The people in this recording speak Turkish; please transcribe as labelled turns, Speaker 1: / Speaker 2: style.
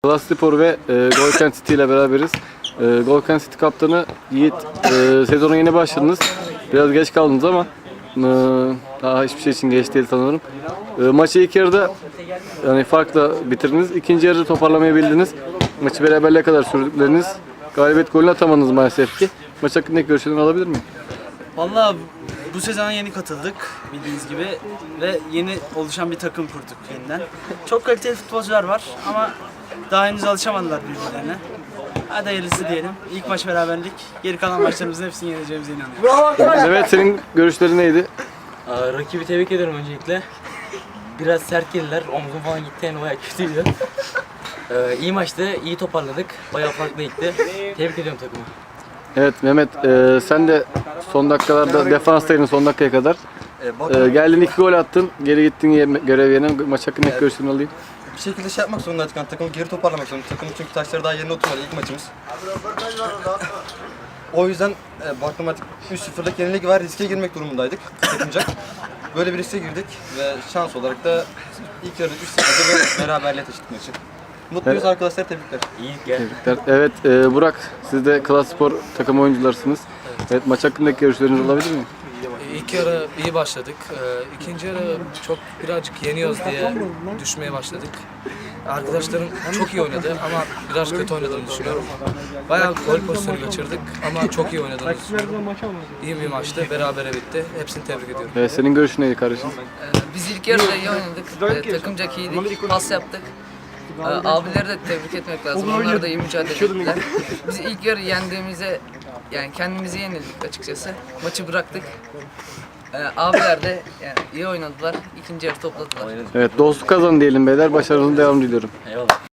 Speaker 1: Kalaspor ve Golken City ile beraberiz. Golken City kaptanı Yiğit, sezona yeni başladınız. Biraz geç kaldınız ama daha hiçbir şey için geç değil sanırım. Maçı ilk yarıda yani farkla bitirdiniz. İkinci yarıda toparlamayı bildiniz. Maçı beraberliğe kadar sürdükleriniz. Galibiyet golünü atamadınız maalesef ki. Maç hakkındaki görüşlerini alabilir miyim?
Speaker 2: Vallahi bu sezona yeni katıldık bildiğiniz gibi ve yeni oluşan bir takım kurduk yeniden. Çok kaliteli futbolcular var ama daha henüz alışamadılar birbirlerine. Hadi hayırlısı diyelim. İlk maç beraberlik. Geri kalan maçlarımızın hepsini yeneceğimize inanıyorum.
Speaker 1: Evet, senin görüşlerin neydi?
Speaker 3: Rakibi tebrik ediyorum öncelikle. Biraz sert geldiler. Omzum falan gitti, yani bayağı kötüydü. İyi maçtı, iyi toparladık. Bayağı farklı gitti. Tebrik ediyorum takımı.
Speaker 1: Evet Mehmet, sen de son dakikalarda defanstaydın son dakikaya kadar. Geldin 2 gol attın, geri gittin görev yerine. Maç hakkındaki görüşlerini alayım.
Speaker 4: Bir şekilde şey yapmak zorundaydık. Yani takımı geri toparlamak zorundaydık. Takımın çünkü taşları daha yerine oturmadı ilk maçımız. O yüzden baktım artık 3-0'lık yenilik var, riske girmek durumundaydık. Takımca. Böyle bir riske girdik ve şans olarak da ilk yarıda 3-0'da beraberliğe taşıdık maçı. Mutluyuz arkadaşlar, tebrikler.
Speaker 3: İyi gel.
Speaker 1: Evet, Burak, siz de Kalaspor takım oyuncularsınız. Evet, maç hakkındaki görüşlerinizi alabilir miyim?
Speaker 5: İlk yarı iyi başladık. İkinci yarı birazcık yeniyoruz diye düşmeye başladık. Arkadaşlarım çok iyi oynadı ama biraz kötü oynadığını düşünüyorum. Bayağı gol pozisyonu kaçırdık ama çok iyi oynadığını düşünüyorum. İyi bir maçtı, berabere bitti. Hepsini tebrik ediyorum.
Speaker 1: Evet, senin görüşün neydi kardeşim?
Speaker 6: Biz ilk yarıda iyi oynadık. Takımcak iyiydik. Pas yaptık. Abileri de tebrik etmek lazım. Onlar da iyi mücadele ettiler. Biz ilk yarı yendiğimize, yani kendimizi yenildik açıkçası. Maçı bıraktık. Abiler de yani iyi oynadılar. İkinci yarı topladılar.
Speaker 1: Evet, dostluk kazanın diyelim beyler. Başarınızın devamını diliyorum.
Speaker 3: Eyvallah.